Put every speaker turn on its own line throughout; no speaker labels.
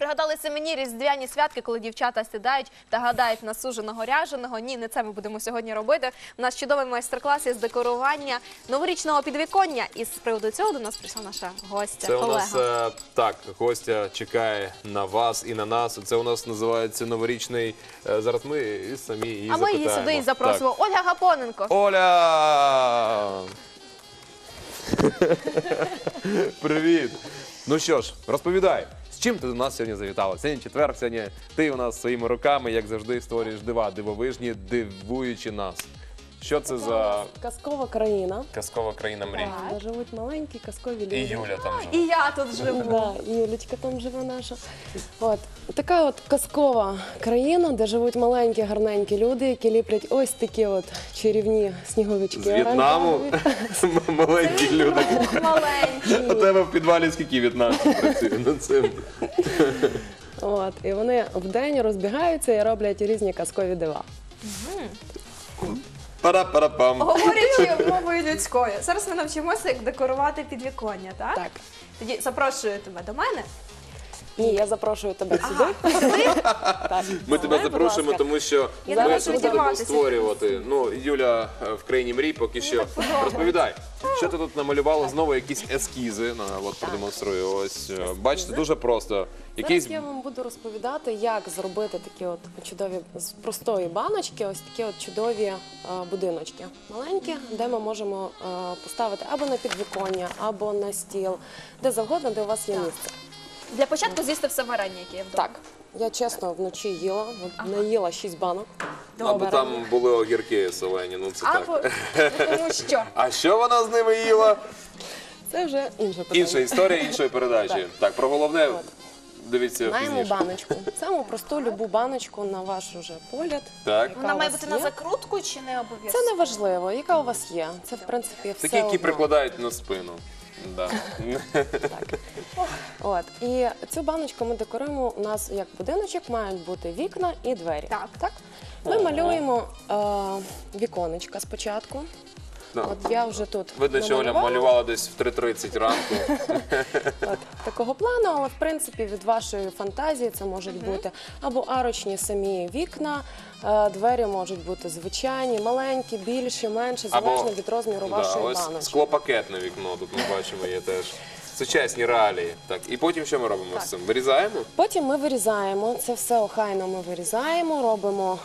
Пригадалися мені різдвяні святки, коли дівчата сідають та гадають на суженого ряженого. Ні, не це ми будемо сьогодні робити. У нас чудовий майстер-клас із декорування новорічного підвіконня. І з приводу цього до нас прийшла наша гостя,
Це у
Олега.
нас, так, гостя чекає на вас і на нас. Це у нас називається новорічний, зараз ми і самі її
А ми її
запитаємо.
сюди і запросимо.
Так.
Ольга Гапоненко.
Оля! Привіт! Ну що ж, розповідай, з чим ти до нас сьогодні завітала? Сьогодні четвер, сьогодні ти у нас своїми руками, як завжди, створюєш дива, дивовижні, дивуючи нас. Що це за
Казкова країна,
казкова країна мрій?
де живуть маленькі казкові люди.
І Юля там живе.
І я тут живу.
Да, і Юлечка там живе наша. От. Така от казкова країна, де живуть маленькі, гарненькі люди, які ліплять ось такі от чарівні сніговички.
З В'єтнаму маленькі люди.
Маленький.
У тебе в підвалі скільки в'єтнамців працює над цим?
От. І вони вдень розбігаються і роблять різні казкові дива.
Пара-пара-пам.
Говорячи мовою людською, зараз ми навчимося, як декорувати підвіконня, так?
Так.
Тоді запрошую тебе до мене.
Ні, я запрошую тебе сюди. Так.
Ми тебе
Давай, будь
запрошуємо,
ласка.
тому що
Я
ми
зараз
тут будемо
роздіватися.
створювати. Ну, Юля в країні мрій поки що. Розповідай, що ти тут намалювала? Знову якісь ескізи. От продемонструю. Ось, бачите, дуже просто. Якийсь...
Зараз я вам буду розповідати, як зробити такі от чудові, з простої баночки, ось такі от чудові будиночки. Маленькі, де ми можемо поставити або на підвіконня, або на стіл, де завгодно, де у вас є місце.
Для початку з'їсти все варення, яке є вдома.
Так, я чесно вночі їла, от наїла 6 банок.
Або там були огірки солені, ну це
Або,
так.
ну що?
А що вона з ними їла?
Це вже інше питання.
Інша історія іншої передачі. Так, про головне дивіться
Маємо
пізніше.
баночку. Саму просту любу баночку на ваш уже погляд.
Так.
яка
Вона
у
має
вас
бути на
є.
закрутку чи не обов'язково?
Це не важливо, яка у вас є. Це, в принципі, все
Такі, які
одно.
прикладають на спину. Да.
Так. От. І цю баночку ми декоруємо. У нас як будиночок мають бути вікна і двері.
Так.
Ми малюємо віконечка спочатку.
Да.
От я вже тут
Видно, що Оля
намалювала.
малювала десь в 3:30 ранку.
От, такого плану, але в принципі від вашої фантазії це можуть бути або арочні самі вікна, двері можуть бути звичайні, маленькі, більші, менші, залежно від розміру вашої
ось
баночки.
склопакетне вікно, тут ми бачимо, є теж. Сучасні реалії. Так, і потім що ми робимо з цим? Вирізаємо?
Потім ми вирізаємо, це все охайно ми вирізаємо, робимо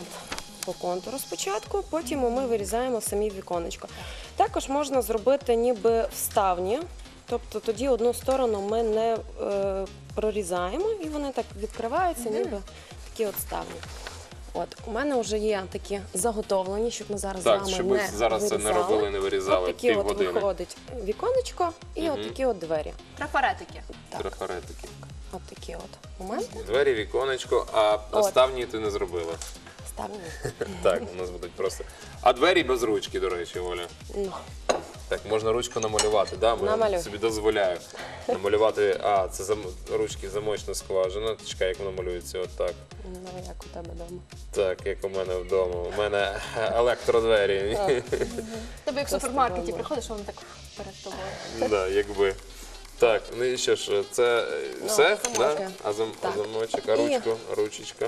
по контуру спочатку, потім ми вирізаємо самі віконечко. Також можна зробити ніби вставні, тобто тоді одну сторону ми не прорізаємо і вони так відкриваються, ніби такі от ставні. От, у мене вже є такі заготовлені, щоб ми зараз
Так,
з вами
щоб
не
ми зараз це не
вирізали.
робили, не вирізали
От такі от
півгодини.
виходить віконечко і от такі от двері.
Трафаретики.
Трафаретики.
От такі от моменти.
Двері, віконечко, а ставні ти не зробила.
Ставні.
Так, у нас будуть просто. А двері без ручки, до речі, Оля.
Ну.
Так, можна ручку намалювати, да?
Намалюй.
Собі дозволяю. Намалювати, це ручки замочна скважина. Чекай, як воно малюється, отак.
Ну, як у тебе вдома.
Так, як у мене вдома. У мене електродвері.
Тобі як в супермаркеті приходиш, воно так перед тобою.
Да, якби. Так, ну і що ж, це все?
замочки.
Да? А
Так.
замочок, а ручку, ручечка.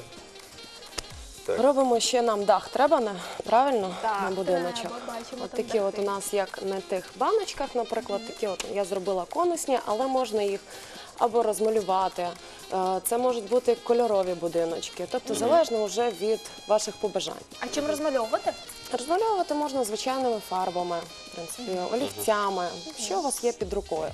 Так.
Робимо ще нам дах, треба правильно
Так,
на будиночок.
треба, бачимо,
От
там
такі от
дахи.
у нас, як на тих баночках, наприклад, такі от я зробила конусні, але можна їх або розмалювати. Це можуть бути кольорові будиночки, тобто залежно вже від ваших побажань.
А чим розмальовувати?
Розмальовувати можна звичайними фарбами, в принципі, олівцями, що у вас є під рукою.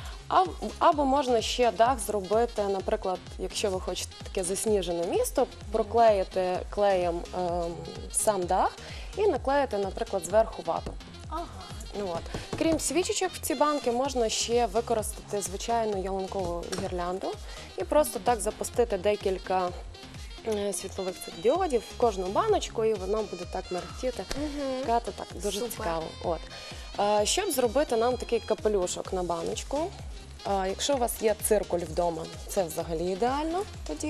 Або можна ще дах зробити, наприклад, якщо ви хочете таке засніжене місто, проклеїти клеєм сам дах і наклеїти, наприклад, зверху вату.
Ага.
Ну, от. Крім свічечок в ці банки, можна ще використати звичайну ялинкову гірлянду і просто так запустити декілька світлових цих діодів в кожну баночку, і воно буде так мерехтіти. Так дуже
Супер.
цікаво. От. Щоб зробити нам такий капелюшок на баночку, якщо у вас є циркуль вдома, це взагалі ідеально тоді.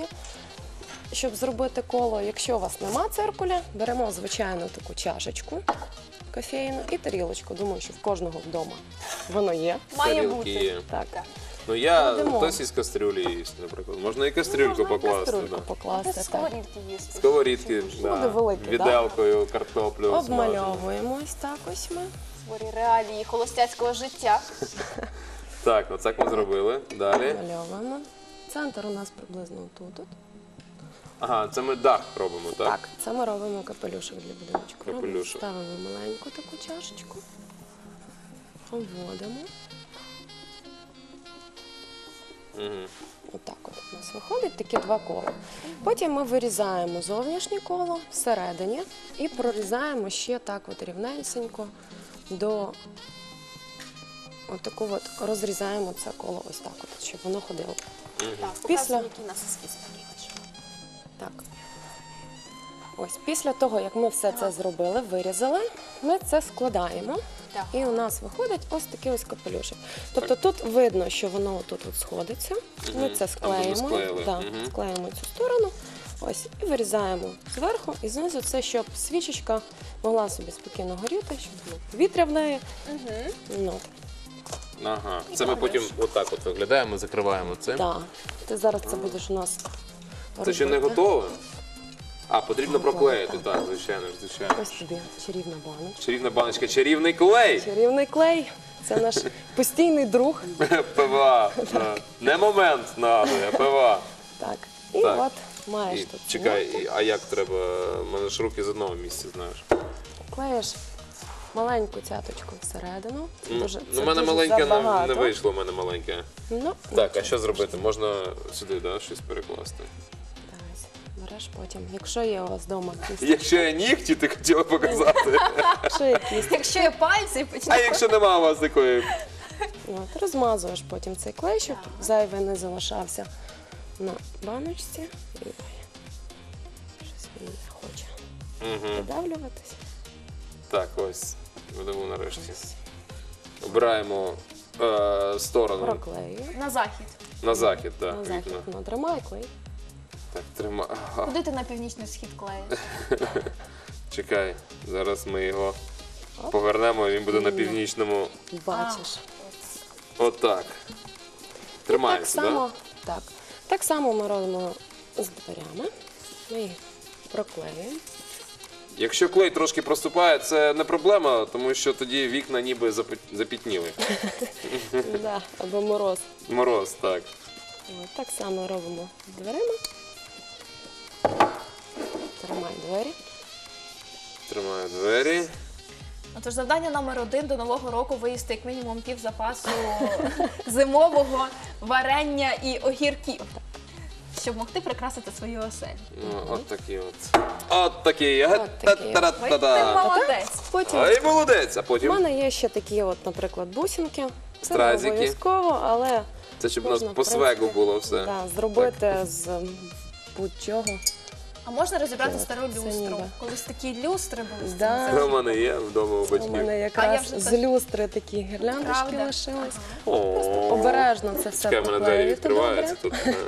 Щоб зробити коло, якщо у вас нема циркуля, беремо звичайну таку чашечку кофейну і тарілочку. Думаю, що в кожного вдома воно є.
Має
Тарілки
бути.
є.
Так.
Ну я
Кладемо.
хтось із кастрюлі їсть, наприклад. Можна і кастрюльку
Можна і
покласти.
кастрюльку
Да.
покласти.
Це
Так.
сковорідки їсти.
Сковорідки,
Буде
да.
великий, да?
Віделкою, картоплю. смажимо.
Обмальовуємо ось так ось ми.
Створі реалії холостяцького життя.
Так, ну це ми зробили. Далі.
Обмальовуємо. Центр у нас приблизно тут.
Ага, це ми дах робимо, так?
Так, це ми робимо капелюшок для будиночку. Робимо,
Капелюшок.
ставимо маленьку таку чашечку, обводимо.
Угу.
Отак от у нас виходить такі два кола. Потім ми вирізаємо зовнішнє коло всередині і прорізаємо ще так от рівненько до отаку от розрізаємо це коло ось так от, щоб воно ходило.
Так,
Після-
показуй, який у нас ескіз такий.
Так. Ось після того, як ми все це зробили, вирізали, ми це складаємо.
Так.
І у нас виходить ось такий ось капелюшок. Тобто тут видно, що воно тут от сходиться. Ми це
Там, де ми
склеїмо,
склеїли.
да,
Мгм.
склеїмо цю сторону. Ось, і вирізаємо зверху і знизу це, щоб свічечка могла собі спокійно горіти, щоб було повітря в неї. Ну, от.
Ага. Це ми потім отак от виглядаємо, закриваємо цим.
Да. Ти зараз це будеш у нас
Це ще не
робити.
готове? А, потрібно
Готове,
проклеїти,
так.
так, звичайно, звичайно.
Ось тобі чарівна баночка.
Чарівна баночка, чарівний клей!
Чарівний клей. Це наш постійний друг.
ПВА. да. Не момент нагадує, а ПВА.
Так. І
Так.
от маєш
І,
тут.
чекай,
цементу.
а як треба? У мене ж руки з одного місця, знаєш.
Клеїш маленьку цяточку всередину. Це дуже,
Ну, в мене
дуже
маленьке
забагато.
не вийшло, в мене маленьке.
Ну,
Так, а що зробити? Можна сюди, да, щось перекласти?
Ось, береш потім. Якщо є у вас вдома кість,
Якщо я нігті, ти хотіла показати.
якщо є кість,
Якщо є пальці, почне.
А якщо нема у вас такої?
от, розмазуєш потім цей клей, щоб зайвий не залишався на баночці. І щось він не хоче
Угу.
видавлюватись.
Так, ось. Видаву нарешті. Обираємо сторону
Проклею.
На захід.
на захід, так,
На захід.
вікна.
Ну, тримай клей.
Так, тримай. Ага.
Куди ти на північний схід клеїш?
Чекай, зараз ми його
Оп.
повернемо, і він буде на
Ні.
північному.
Бачиш.
Отак.
Так
Тримається,
само,
так?
так. Так само ми робимо з дверями. Ми їх проклеюємо.
Якщо клей трошки проступає, це не проблема, тому що тоді вікна ніби запітніли.
Да, або мороз.
Мороз, так.
От, так само робимо з дверима. Тримай двері.
Тримаю двері.
Отож, завдання номер 1 до нового року виїсти як мінімум пів запасу зимового варення і огірків, щоб могти прикрасити свою оселю.
Ну, от такі от. От такі.
От такі.
Ой, ти
Та-та-та-та.
молодець.
Потім
Ай, молодець! А
у
потім?
мене є ще такі, от, наприклад, бусинки. Це не
Стразики.
обов'язково, але
Це щоб у нас
можна,
по
в принципі,
свегу було все.
да, зробити з будь-чого.
А можна розібрати
Так,
стару
це
люстру?
ніби.
Колись такі люстри були.
Да.
Це в мене є вдома у
У
батьків.
мене
А я
якраз
вже
з
теж.
люстри такі гірляндочки
Правда?
лишились.
О,
Обережно це все
Чекай, в мене двері
проклеїти
відкриваються
добре.
тут.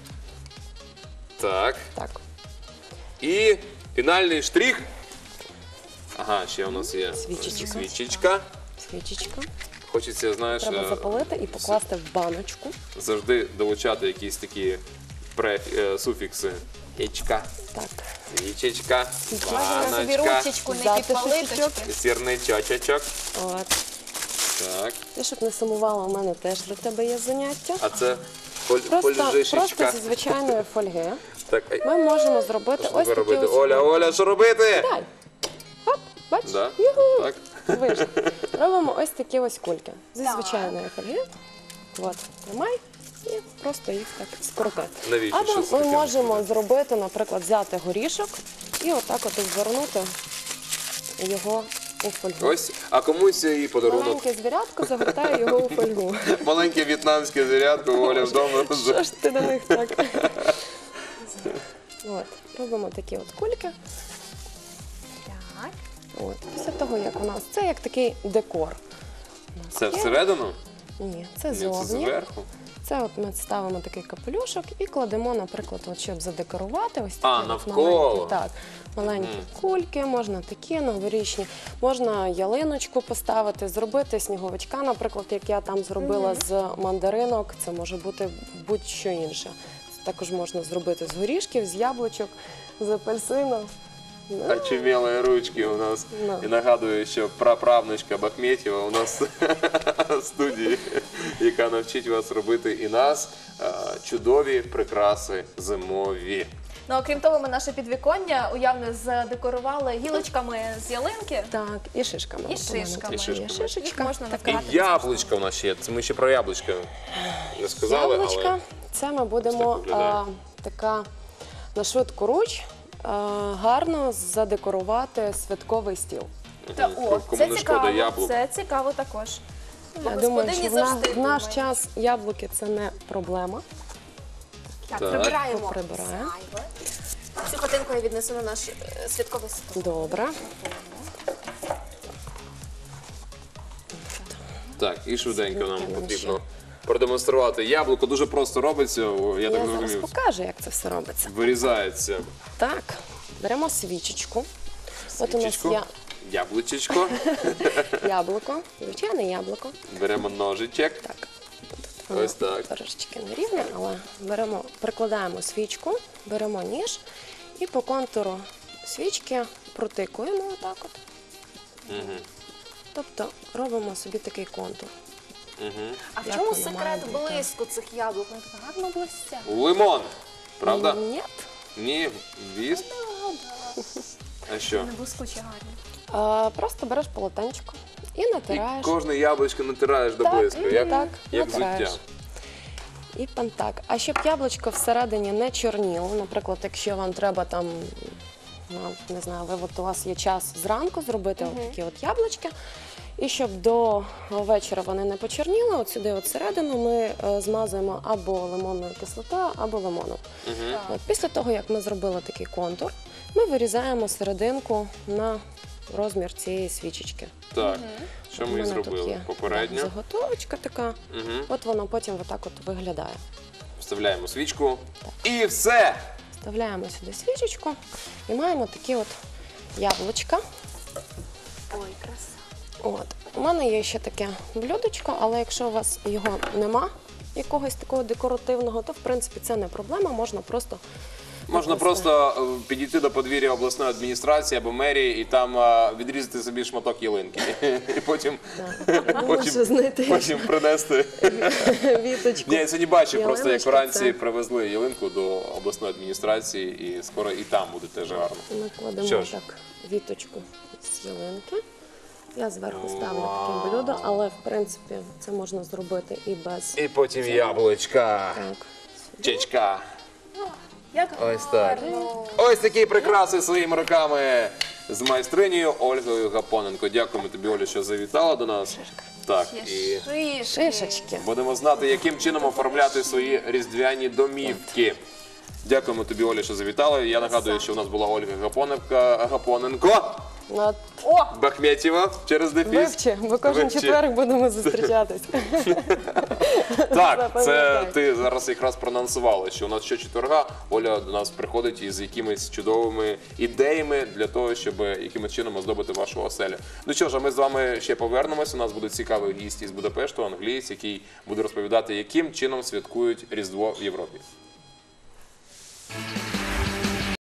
Так.
Так.
І фінальний штрих. Ага, ще у нас є
Свічечка.
свічечка.
Свічечка.
Хочеться, знаєш,
Треба запалити і покласти в баночку.
завжди долучати якісь такі суфікси. Ячка,
Так.
свічечка,
Можна собі
баночка,
ручечку не
Взяти
підпалиточки.
шишечок.
сірничочок.
От.
Так.
Ти, щоб не сумувала, у мене теж для тебе є заняття.
А це
Просто
фольжишечка.
зі звичайної фольги
Так,
ми можемо зробити
що
ось
ви
такі
робите?
ось.
Оля, Оля, що робити?
Дай. Хоп, бач?
Да?
Юху.
Так.
Вийшло. Робимо ось такі ось кульки зі
Так.
звичайної фольги. От, тримай і просто їх так скрутити.
Навіщо? Що
Або
це
ми
таке?
можемо зробити, наприклад, взяти горішок і отак от звернути його у фольгу.
Ось, а комусь і подарунок.
Маленьке звірятко загортає його у фольгу.
Маленьке в'єтнамське звірятко, Оля вдома.
Що ж ти до них так? От, робимо такі от кульки.
Так.
От, після того, як у нас це як такий декор. У нас
Це
є-
всередину?
Ні, це
Ні, це
зовні.
зверху.
Це от ми ставимо такий капелюшок і кладемо, наприклад, от, щоб задекорувати ось такі
А,
от
навколо.
маленькі, так, маленькі кульки, можна такі новорічні, можна ялиночку поставити, зробити сніговичка, наприклад, як я там зробила з мандаринок, це може бути будь-що інше. Також можна зробити з горішків, з яблучок, з апельсину.
Очумелые ручки у нас.
Да.
І нагадую, що праправнучка Бахметєва у нас в студії, яка навчить вас робити і нас чудові прикраси зимові.
Ну, окрім того, ми наше підвіконня уявно задекорували гілочками з ялинки
Так, і шишками.
і
От у мене
шишками.
І шишками.
Є шишечка.
Їх можна
така.
І
накрати.
яблучка у нас ще є. Це ми ще про яблучка не сказали,
Яблучка.
але
Це ми будемо
Ось так виглядає.
така на швидку руч гарно задекорувати святковий стіл.
Та, о,
кому
це
не
цікаво,
шкода яблук.
це цікаво також. Бо
Я думаю,
господині
що
завжди
в наш
думають.
час яблуки це не проблема.
Так,
Так.
прибираємо.
Прибираємо.
зайве. Цю хатинку я віднесу на наш святковий стол.
Добре.
так, і швиденько нам
Швиденько
потрібно
ще.
продемонструвати. Яблуко дуже просто робиться, я
Я
так
зараз
розумію.
покажу, як це все робиться.
Вирізається
Так, беремо свічечку. От у нас
свічечко,
є
яблучечко,
яблуко, звичайне яблуко.
беремо ножичок.
Так.
Ось так.
Трошечки нерівне, але прикладаємо свічку, беремо ніж і по контуру свічки протикуємо отак от. Тобто робимо собі такий контур.
А в
Як
чому
воно має
секрет
бути?
блиску цих яблук? Вони так гарно блистять.
Лимон, правда?
Ні.
Ні, вісп. А що?
Вони блискучі гарні.
Просто береш полотенчико і
І
натираєш.
кожне яблучко натираєш до
Так,
блиску, як,
так,
як
натираєш.
взуття.
І пантак. А щоб яблучко всередині не чорніло, наприклад, якщо вам треба там, ну, не знаю, у вас є час зранку зробити от такі от яблучки, і щоб до вечора вони не почорніли, от сюди от всередину ми змазуємо або лимонною кислотою, або лимоном. От, після того, як ми зробили такий контур, ми вирізаємо серединку на розмір цієї свічечки.
Так, що
У
ми і
мене тут
зробили
є,
попередньо.
так, заготовочка така. От воно потім отак от виглядає.
Вставляємо свічку і все!
Вставляємо сюди свічечку і маємо такі от яблучка.
Ой, краса.
От. У мене є ще таке блюдечко, але якщо у вас його нема, якогось такого декоративного, то в принципі це не проблема, можна просто
Можна
викласти.
просто підійти до подвір'я обласної адміністрації або мерії і там відрізати собі шматок ялинки. І потім,
Лучше знайти
потім принести.
віточку.
Ні, я сьогодні бачив, просто як
Ялиночка
вранці
це-
привезли ялинку до обласної адміністрації, і скоро і там буде теж гарно.
Накладемо
Що ж?
так віточку з ялинки. Я зверху ставлю таке блюдо, але в принципі це можна зробити і без.
І потім яблучка,
Так.
чечка.
Як
Ось так.
гарно.
Ось такі прикраси своїми руками з майстринею Ольгою Гапоненко. Дякуємо тобі, Оля, що завітала до нас. Так, і
Є шишки.
Шишечки.
будемо знати, яким чином оформляти свої різдвяні домівки. Дякуємо тобі, Оля, що завітала. Я нагадую, що у нас була Ольга Гапоненко,
От,
О,
Бахметєва через дефіс.
вивчи, бо кожен
Вивчи.
четверг будемо зустрічатись.
Так, це
Запам'ятай.
ти зараз якраз проанонсувала, що у нас щочетверга Оля до нас приходить із якимись чудовими ідеями для того, щоб якимось чином оздобити вашу оселю. Ну що ж, а ми з вами ще повернемось. У нас буде цікавий гість із Будапешту, англієць, який буде розповідати, яким чином святкують Різдво в Європі.